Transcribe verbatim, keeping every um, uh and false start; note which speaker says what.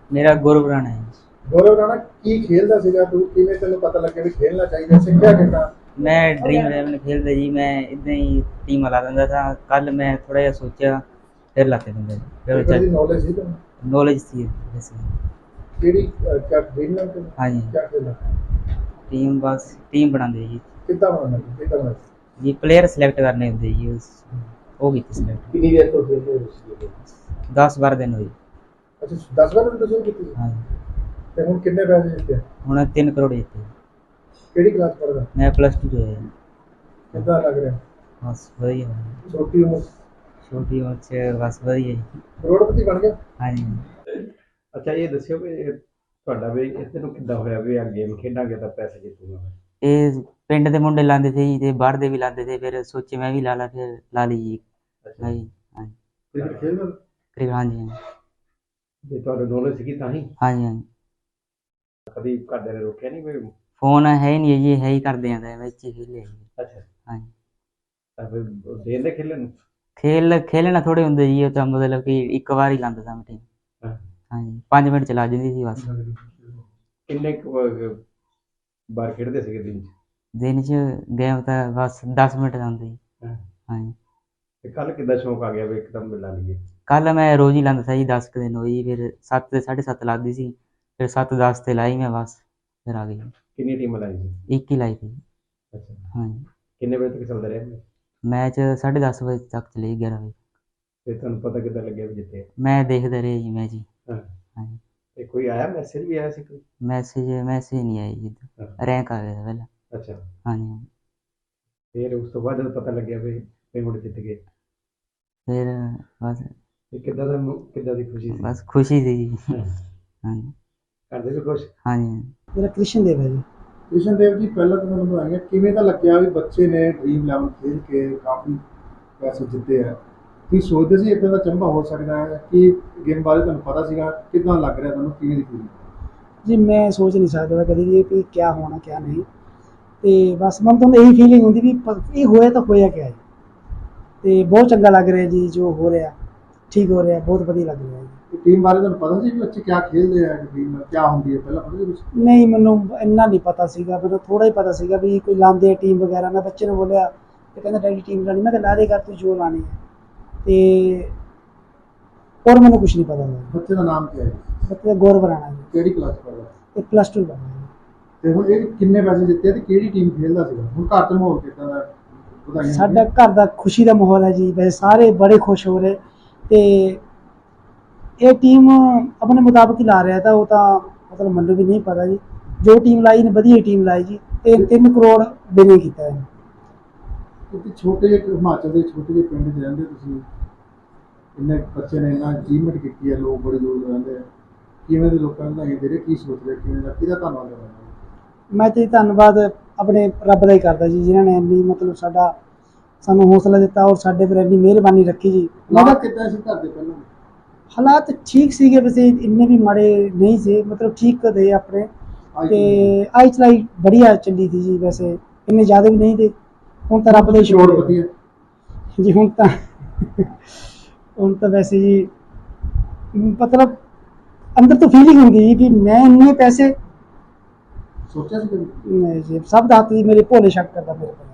Speaker 1: ਮੇਰਾ ਗੁਰੂ ਰਾਣਾ ਹੈ।
Speaker 2: ਗੌਰਵ ਰਾਣਾ ਕੀ ਖੇਲਦਾ ਸੀਗਾ ਤੂੰ, ਕਿਵੇਂ ਤੈਨੂੰ ਪਤਾ ਲੱਗਿਆ ਵੀ ਖੇਲਣਾ ਚਾਹੀਦਾ, ਸਿੱਖਿਆ ਕਿੱਦਾਂ?
Speaker 1: ਮੈਂ ਡ੍ਰੀਮ ਇਲੈਵਨ ਖੇਲਦਾ ਜੀ, ਮੈਂ ਇਦਾਂ ਹੀ ਟੀਮ ਲਾ ਦਿੰਦਾ था। ਕੱਲ ਮੈਂ ਥੋੜਾ ਜਿਹਾ ਸੋਚਿਆ ਫਿਰ ਲਾ ਕੇ ਦਿੰਦਾ ਜੀ।
Speaker 2: ਫਿਰ
Speaker 1: ਫਿਰ
Speaker 2: ਦੀ ਨੌਲੇਜ ਸੀ ਤੈਨੂੰ?
Speaker 1: ਨੌਲੇਜ ਸੀ ਵੈਸੇ।
Speaker 2: ਕਿਹੜੀ ਕਿਆ ਡ੍ਰੀਮ ਨਾਲ ਤੈਨੂੰ
Speaker 1: ਹਾਂਜੀ
Speaker 2: ਕਿਆ ਖੇਲਣਾ?
Speaker 1: ਟੀਮ ਬਸ ਟੀਮ ਬਣਾਉਂਦੇ ਜੀ
Speaker 2: ਕਿੱਦਾਂ ਬਣਾਉਣਾ ਕਿੱਦਾਂ ਬਣਾਉਣਾ?
Speaker 1: ਜੀ ਪਲੇਅਰ ਸਿਲੈਕਟ ਕਰਨੇ ਹੁੰਦੇ ਜੀ, ਉਸ ਉਹ ਕੀਤੀ ਸਿਲੈਕਟ।
Speaker 2: ਕਿੰਨੀ ਦੇਰ ਤੋਂ ਖੇਡਦੇ ਹੋ ਤੁਸੀਂ?
Speaker 1: ਦਸ ਬਾਰਾਂ ਦਿਨ ਹੋਏ।
Speaker 2: ਅੱਛਾ ਦਸ ਬਾਰਾਂ ਦਿਨ ਤੋਂ ਸ਼ੁਰੂ ਕੀਤੀ?
Speaker 1: ਹਾਂਜੀ
Speaker 2: ਤੇ ਹੁਣ ਕਿੰਨੇ ਪੈਸੇ ਜਿੱਤੇ?
Speaker 1: ਹੁਣ ਤਿੰਨ ਕਰੋੜ ਜਿੱਤੇ।
Speaker 2: ਕਿਹੜੀ ਕਲਾਸ ਪੜ੍ਹਦਾ?
Speaker 1: ਮੈਂ ਪਲੱਸ ਟੂ ਚ ਹੋਇਆ ਜੀ।
Speaker 2: ਕਿੱਦਾਂ ਲੱਗ ਰਿਹਾ?
Speaker 1: ਬਸ ਵਧੀਆ।
Speaker 2: ਛੋਟੀ ਉਮਰ
Speaker 1: ਛੋਟੀ ਉਮਰ ਚ ਬਸ ਵਧੀਆ ਜੀ।
Speaker 2: ਕਰੋੜਪਤੀ ਬਣ ਗਿਆ?
Speaker 1: ਹਾਂਜੀ।
Speaker 3: ਅੱਛਾ ਇਹ ਦੱਸਿਓ ਵੀ ਤੁਹਾਡਾ ਵੀ ਇੱਥੇ ਨੂੰ ਕਿੱਦਾਂ ਹੋਇਆ ਵੀ ਆ ਗੇਮ ਖੇਡਾਂਗੇ ਤਾਂ ਪੈਸੇ ਜਿੱਤੂਗਾ ਮੈਂ?
Speaker 1: ਇਹ ਪਿੰਡ ਦੇ ਮੁੰਡੇ ਲਾਉਂਦੇ ਸੀ ਤੇ ਬਾਹਰ ਦੇ ਵੀ ਲਾਉਂਦੇ ਸੀ, ਫਿਰ ਸੋਚੇ ਮੈਂ ਵੀ ਲਾ ਲਾ, ਫਿਰ ਲਾ ਲਈ ਜੀ।
Speaker 3: ਅੱਛਾ
Speaker 1: ਹਾਂਜੀ ਹਾਂਜੀ
Speaker 2: ਕ੍ਰਿਕਟ ਖੇਡਦਾ?
Speaker 1: ਕਰੀਬ ਹਾਂਜੀ ਹਾਂਜੀ
Speaker 3: ਜੇ ਤੁਹਾਨੂੰ ਨੌਲੇਜ ਸੀਗੀ ਤਾਂ ਹੀ
Speaker 1: ਹਾਂਜੀ ਹਾਂਜੀ।
Speaker 3: ਕਦੀ ਘਰਦਿਆਂ ਨੇ ਰੋਕਿਆ ਨਹੀਂ ਵੀ?
Speaker 1: ਫੋਨ ਹੈ ਹੀ ਨਹੀਂ ਜੀ, ਹੈ ਹੀ ਕਰਦੇ ਆਂ ਵਿੱਚ ਹੀ ਖੇਲੇ ਜੀ।
Speaker 3: ਅੱਛਾ
Speaker 1: ਹਾਂਜੀ
Speaker 3: ਤਾਂ ਫਿਰ ਦੇਂਦੇ ਖੇਲਣ ਨੂੰ?
Speaker 1: ਖੇਲ ਖੇਲਣਾ ਥੋੜੇ ਹੁੰਦੇ ਜੀ, ਉਹ ਤਾਂ ਮਤਲਬ ਕਿ ਇੱਕ ਵਾਰ ਹੀ ਲਾਉਂਦਾ ਸਾਂ ਟੀਮ।
Speaker 3: ਹਾਂ।
Speaker 1: ਹਾਂਜੀ ਪੰਜ ਮਿੰਟ ਚਲਾ ਜਾਂਦੀ ਸੀ ਬਸ।
Speaker 3: ਕਿੰਨੇ ਕੁ, ਅਹ, ਵਾਰ ਖੇਡਦੇ ਸੀਗੇ ਦਿਨ 'ਚ?
Speaker 1: ਦਿਨ 'ਚ ਗੇਮ ਤਾਂ ਬਸ ਦਸ ਮਿੰਟ ਦਾ ਹੁੰਦਾ ਜੀ।
Speaker 3: ਹਾਂ।
Speaker 1: ਹਾਂਜੀ
Speaker 3: ਤੇ ਕੱਲ ਕਿੱਦਾਂ ਸ਼ੌਂਕ ਆ ਗਿਆ ਵੀ ਇੱਕਦਮ ਲਾ ਲਈਏ?
Speaker 1: ਕੱਲ ਮੈਂ ਰੋਜ਼ ਹੀ ਲਾਉਂਦਾ ਸੀ ਜੀ, ਦਸ ਕੁ ਦਿਨ ਹੋਈ, ਫਿਰ ਸੱਤ ਤੇ ਸਾਢੇ ਸੱਤ ਲੱਗਦੀ ਸੀ, ਫਿਰ ਸੱਤ ਦਸ ਤੇ ਲਾਈ ਮੈਂ ਬਸ, ਫਿਰ ਆ ਗਈ।
Speaker 3: ਕਿੰਨੀ ਟੀਮਾਂ ਲਾਈ ਸੀ?
Speaker 1: ਇੱਕ ਹੀ ਲਾਈ ਸੀ।
Speaker 3: ਅੱਛਾ
Speaker 1: ਹਾਂਜੀ
Speaker 3: ਕਿੰਨੇ ਵਜੇ ਤੱਕ ਚੱਲਦਾ ਰਿਹਾ ਮੈਚ?
Speaker 1: ਮੈਚ ਸਾਢੇ ਦਸ ਵਜੇ ਤੱਕ ਚਲੇ, ਗਿਆਰਾਂ ਵਜੇ।
Speaker 3: ਤੇ ਤੁਹਾਨੂੰ ਪਤਾ ਕਿੱਦਾਂ ਲੱਗਿਆ ਵੀ ਜਿੱਤੇ?
Speaker 1: ਮੈਂ ਦੇਖਦਾ ਰਿਹਾ ਜੀ ਮੈਚ ਜੀ।
Speaker 3: ਹਾਂ।
Speaker 1: ਹਾਂਜੀ
Speaker 3: ਤੇ ਕੋਈ ਆਇਆ ਮੈਸੇਜ ਵੀ ਆਇਆ ਸੀ ਕੋਈ?
Speaker 1: ਮੈਸੇਜ ਮੈਸੇਜ ਨਹੀਂ ਆਇਆ ਜੀ,
Speaker 3: ਹਾਂ।
Speaker 1: ਰੈਂਕ ਆ ਗਿਆ ਪਹਿਲਾਂ।
Speaker 3: ਅੱਛਾ
Speaker 1: ਹਾਂਜੀ
Speaker 3: ਫਿਰ ਉਸ ਤੋਂ ਬਾਅਦ ਜਦੋਂ ਪਤਾ ਲੱਗਿਆ ਵੀ ਪੇਮੈਂਟ ਜਿੱਤ ਗਏ
Speaker 1: ਫਿਰ ਬਸ
Speaker 3: ਤੇ ਕਿੱਦਾਂ ਦਾ ਮੂ- ਕਿੱਦਾਂ ਦੀ ਖੁਸ਼ੀ ਸੀ?
Speaker 1: ਬਸ ਖੁਸ਼ੀ ਸੀ ਜੀ।
Speaker 3: ਹਾਂ।
Speaker 1: ਹਾਂਜੀ
Speaker 3: ਕਰਦੇ ਵੀ ਖੁਸ਼?
Speaker 1: ਹਾਂਜੀ
Speaker 4: ਮੇਰਾ ਕ੍ਰਿਸ਼ਨ ਦੇਵ ਹੈ ਜੀ।
Speaker 2: ਕ੍ਰਿਸ਼ਨ ਦੇਵ ਜੀ ਪਹਿਲਾਂ ਤਾਂ ਮੈਨੂੰ ਆਇਆ ਕਿਵੇਂ ਤਾਂ ਲੱਗਿਆ ਵੀ ਬੱਚੇ ਨੇ ਡ੍ਰੀਮ ਇਲੈਵਨ ਖੇਡ ਕੇ ਕਾਫੀ ਪੈਸੇ ਜਿੱਤੇ ਆ, ਕੀ ਸੋਚਦੇ ਸੀ ਇੱਦਾਂ ਦਾ ਚੰਬਾ ਹੋ ਸਕਦਾ ਹੈ? ਕਿ ਗੇਮ ਬਾਰੇ ਤੁਹਾਨੂੰ ਪਤਾ ਸੀਗਾ? ਕਿੱਦਾਂ ਲੱਗ ਰਿਹਾ ਤੁਹਾਨੂੰ, ਕਿਵੇਂ ਦੀ ਫੀਲਿੰਗ?
Speaker 4: ਜੀ ਮੈਂ ਸੋਚ ਨਹੀਂ ਸਕਦਾ ਕਦੀ ਵੀ ਵੀ ਕਿਆ ਹੋਣਾ ਕਿਆ ਨਹੀਂ, ਤੇ ਬਸ ਮੈਨੂੰ ਤਾਂ ਇਹੀ ਫੀਲਿੰਗ ਹੁੰਦੀ ਵੀ ਪ- ਇਹ ਹੋਇਆ ਤਾਂ ਹੋਇਆ ਕਿਆ ਹੈ, ਤੇ ਬਹੁਤ ਚੰਗਾ ਲੱਗ ਰਿਹਾ ਜੀ ਜੋ ਹੋ ਰਿਹਾ, ਠੀਕ ਹੋ ਰਿਹਾ, ਬਹੁਤ ਵਧੀਆ ਲੱਗ ਰਿਹਾ ਜੀ।
Speaker 2: ਟੀਮ ਬਾਰੇ ਤੁਹਾਨੂੰ ਪਤਾ ਸੀ ਵੀ ਬੱਚੇ ਕਿਆ ਖੇਡਦੇ ਆ, ਟੀਮ ਕਿਆ ਹੁੰਦੀ ਹੈ ਪਹਿਲਾਂ ਪਤਾ ਸੀ ਕੁਛ?
Speaker 4: ਨਹੀਂ ਮੈਨੂੰ ਇੰਨਾ ਨਹੀਂ ਪਤਾ ਸੀਗਾ, ਮੈਨੂੰ ਥੋੜਾ ਹੀ ਪਤਾ ਸੀਗਾ ਵੀ ਕੋਈ ਲਾਉਂਦੇ ਟੀਮ ਵਗੈਰਾ। ਮੈਂ ਬੱਚੇ ਨੂੰ ਬੋਲਿਆ ਤੇ ਕਹਿੰਦਾ ਡੈਡੀ ਟੀਮ ਲਾਣੀ, ਮੈਂ ਕਿਹਾ ਲਾ ਦੇ ਕਰ ਤੂੰ ਜੋ ਲਾਣੀ ਹੈ, ਤੇ ਹੋਰ ਮੈਨੂੰ ਕੁਛ ਨਹੀਂ ਪਤਾ ਸੀ।
Speaker 2: ਬੱਚੇ ਦਾ ਨਾਮ ਕੀ ਹੈ?
Speaker 4: ਬੱਚੇ ਦਾ ਗੌਰਵ ਰਾਣਾ ਜੀ,
Speaker 2: ਕਿਹੜੀ ਕਲਾਸ ਪੜ੍ਹਦਾ?
Speaker 4: ਇਹ ਪਲੱਸ ਟੂ ਕਰਨਾ ਜੀ।
Speaker 2: ਤੇ ਹੁਣ ਇਹ ਕਿੰਨੇ ਪੈਸੇ ਜਿੱਤੇ ਤੇ ਕਿਹੜੀ ਟੀਮ ਖੇਡਦਾ ਸੀਗਾ? ਹੁਣ ਘਰ ਚ ਮਾਹੌਲ ਕਿੱਦਾਂ ਦਾ? ਵਧਾਈਆਂ
Speaker 4: ਸਾਡਾ ਘਰ ਦਾ ਖੁਸ਼ੀ ਦਾ ਮਾਹੌਲ ਹੈ ਜੀ, ਵੈਸੇ ਸਾਰੇ ਬੜੇ ਖੁਸ਼ ਹੋ ਰਹੇ, ਤੇ ਇਹ ਟੀਮ ਆਪਣੇ ਮੁਤਾਬਕ ਹੀ ਲਾ ਰਿਹਾ ਤਾਂ ਉਹ ਤਾਂ ਮਤਲਬ ਮੈਨੂੰ ਵੀ ਨਹੀਂ ਪਤਾ ਜੀ, ਜੋ ਟੀਮ ਲਾਈ ਨੇ ਵਧੀਆ ਟੀਮ ਲਾਈ ਜੀ, ਤੇ ਤਿੰਨ ਕਰੋੜ ਬਿਲਿੰਗ ਕੀਤਾ ਹੈ।
Speaker 2: ਕਿਉਂਕਿ ਛੋਟੇ ਜਿਹੇ ਹਿਮਾਚਲ ਦੇ ਛੋਟੇ ਜਿਹੇ ਪਿੰਡ 'ਚ ਰਹਿੰਦੇ ਤੁਸੀਂ, ਇੰਨੇ ਬੱਚੇ ਨੇ ਇੰਨਾ ਅਚੀਵਮੈਂਟ ਕੀਤੀ ਹੈ, ਲੋਕ ਬੜੇ ਦੂਰ ਦੂਰ ਰਹਿੰਦੇ ਆ, ਕਿਵੇਂ ਦੇ ਲੋਕਾਂ ਨੂੰ ਵਧਾਈਆਂ ਦੇ ਰਹੇ, ਕੀ ਸੋਚਦੇ, ਕਿਵੇਂ ਦਾ, ਕਿਹਦਾ ਧੰਨਵਾਦ ਕਰਨਾ?
Speaker 4: ਮੈਂ ਤੇ ਧੰਨਵਾਦ ਆਪਣੇ ਰੱਬ ਦਾ ਹੀ ਕਰਦਾ ਜੀ, ਜਿਨ੍ਹਾਂ ਨੇ ਇੰਨੀ ਮਤਲਬ ਸਾਡਾ ਸਾਨੂੰ ਹੌਸਲਾ ਦਿੱਤਾ ਔਰ ਸਾਡੇ ਪਰ ਇੰਨੀ ਮਿਹਰਬਾਨੀ ਰੱਖੀ ਜੀ।
Speaker 2: ਹਾਲਾਤ ਕਿੱਦਾਂ ਸੀ ਘਰ ਦੇ ਪਹਿਲਾਂ?
Speaker 4: ਹਾਲਾਤ ਠੀਕ ਸੀਗੇ, ਵੈਸੇ ਇੰਨੇ ਵੀ ਮਾੜੇ ਨਹੀਂ ਸੀ, ਮਤਲਬ ਠੀਕ थे ਆਪਣੇ, ਤੇ ਆਈ ਚਲਾਈ बढ़िया ਚੱਲੀ ਸੀ ਜੀ, ਵੈਸੇ ਇੰਨੇ ਜ਼ਿਆਦਾ ਵੀ ਨਹੀਂ ਤੇ ਹੁਣ ਤਾਂ ਰੱਬ ਦਾ ਹੀ ਸ਼ੁਕਰ
Speaker 2: ਵਧੀਆ
Speaker 4: ਜੀ। ਹੁਣ ਤਾਂ ਹੁਣ ਤਾਂ ਵੈਸੇ ਜੀ ਮਤਲਬ ਅੰਦਰ ਤੋਂ ਫੀਲਿੰਗ ਹੁੰਦੀ ਜੀ ਕਿ ਮੈਂ ਇੰਨੇ ਪੈਸੇ
Speaker 2: ਸੋਚਿਆ ਸੀ ਕਦੇ?
Speaker 4: ਨਹੀਂ ਜੀ, ਸਭ ਦਾ ਹੱਥ ਜੀ ਮੇਰੇ ਭੋਲੇ ਸ਼ੱਕ ਕਰਦਾ ਮੇਰੇ ਕੋਲ।